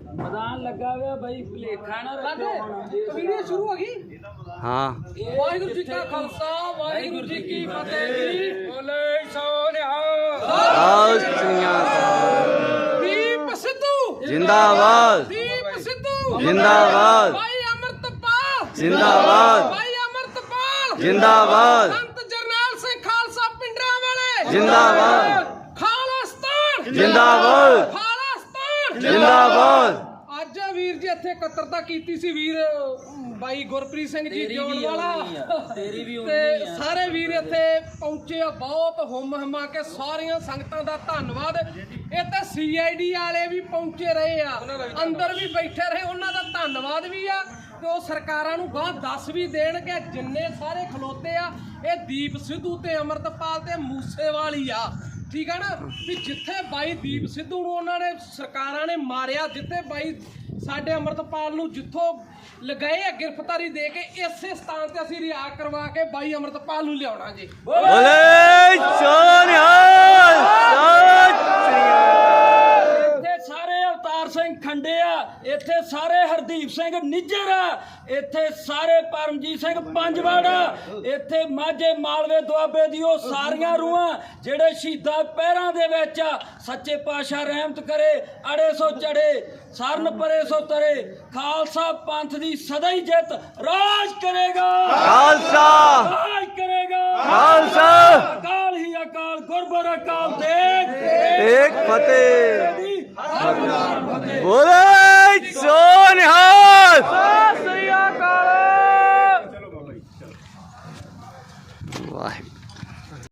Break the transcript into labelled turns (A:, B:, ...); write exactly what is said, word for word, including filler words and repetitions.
A: मैदान लगा हुआ भाई भुलेखा ना रखो
B: वीडियो शुरू हो गई।
C: हाँ
B: वाहिगुरु जी का खालसा वाहिगुरु जी की फतेह जी। बोले दीप सिद्धू
C: जिंदाबाद
B: दीप सिद्धू
C: जिंदाबाद
B: भाई अमृतपाल
C: जिंदाबाद
B: भाई अमृतपाल
C: जिंदाबाद
B: संत जरनैल सिंह खालसा पिंडरा वाले
C: जिंदाबाद
B: खालिस्तान
C: जिंदाबाद
B: खालिस्तान
C: जिंदाबाद।
B: ਅੱਜ ਵੀਰ ਜੀ ਇੱਥੇ ਇਕੱਤਰਤਾ ਕੀਤੀ ਸੀ ਵੀਰ ਬਾਈ ਗੁਰਪ੍ਰੀਤ ਸਿੰਘ ਜੀ ਜੋੜ ਵਾਲਾ
A: ਤੇਰੀ ਵੀ
B: ਤੇ ਸਾਰੇ ਵੀਰ ਇੱਥੇ ਪਹੁੰਚੇ ਆ। ਬਹੁਤ ਹੁਮ ਹਮਾ ਕੇ ਸਾਰੀਆਂ ਸੰਗਤਾਂ ਦਾ ਧੰਨਵਾਦ। ਇਹ ਤੇ ਸੀ ਆਈ ਡੀ ਵਾਲੇ ਵੀ ਪਹੁੰਚੇ ਰਹੇ ਆ, ਅੰਦਰ ਵੀ ਬੈਠੇ ਰਹੇ, ਉਹਨਾਂ ਦਾ ਧੰਨਵਾਦ ਵੀ ਆ। ਤੇ ਉਹ ਸਰਕਾਰਾਂ ਨੂੰ ਗਾਂ ਦੱਸ ਵੀ ਦੇਣ ਕਿ ਜਿੰਨੇ ਸਾਰੇ ਖਲੋਤੇ ਆ ਇਹ ਦੀਪ ਸਿੱਧੂ ਤੇ ਅਮਰਤਪਾਲ ਤੇ ਮੂਸੇਵਾਲੀ ਆ। ਠੀਕ ਹੈ ਨਾ ਵੀ ਜਿੱਥੇ ਬਾਈ ਦੀਪ ਸਿੱਧੂ ਨੂੰ ਉਹਨਾਂ ਨੇ ਸਰਕਾਰਾਂ ਨੇ ਮਾਰਿਆ, ਜਿੱਥੇ ਬਾਈ ਸਾਡੇ ਅਮਰਤਪਾਲ ਨੂੰ ਜਿੱਥੋਂ ਲਗਾਏ ਆ ਗ੍ਰਿਫਤਾਰੀ ਦੇ ਕੇ, ਇਸੇ ਸਥਾਨ ਤੇ ਅਸੀਂ ਰਿਆ ਕਰਵਾ ਕੇ ਬਾਈ ਅਮਰਤਪਾਲ ਨੂੰ ਲਿਆਉਣਾ ਜੀ।
C: ਬੋਲੇ ਸੋਨਿਹਾਲ
A: ਇੱਥੇ ਸਾਰੇ ਅਵਤਾਰ ਸਿੰਘ ਖੰਡੇ ਆ, ਇੱਥੇ ਸਾਰੇ ਹਰਦੀਪ ਸਿੰਘ ਨਿੱਜਰ ਆ, ਇੱਥੇ ਸਾਰੇ ਪਰਮਜੀਤ ਸਿੰਘ ਪੰਜਵਾੜਾ, ਇੱਥੇ ਮਾਝੇ ਮਾਲਵੇ ਦੁਆਬੇ ਦੀ ਉਹ ਸਾਰੀਆਂ ਰੂਹਾਂ ਜਿਹੜੇ ਸ਼ਹੀਦਾਂ ਪੈਰਾਂ ਦੇ ਵਿੱਚ ਆ। ਸੱਚੇ ਪਾਤਸ਼ਾਹ ਰਹਿਮਤ ਕਰੇ, ਅੜੇ ਸੋ ਚੜੇ ਸਰਨ ਪਰੇ ਸੋ ਤਰੇ। ਖਾਲਸਾ ਪੰਥ ਦੀ ਸਦਾ ਹੀ ਜਿੱਤ ਰਾਜ ਕਰੇਗਾ,
C: ਖਾਲਸਾ
A: ਰਾਜ ਕਰੇਗਾ
C: ਖਾਲਸਾ।
A: ਅਕਾਲ ਹੀ ਅਕਾਲ ਗੁਰਬਰ ਅਕਾਲ ਦੇਖ
C: ਇੱਕ ਫਤਿਹ।
A: ਫਤਿਹ।
C: ਬੋਲੇ ਸੋਨਿਹਾਲ।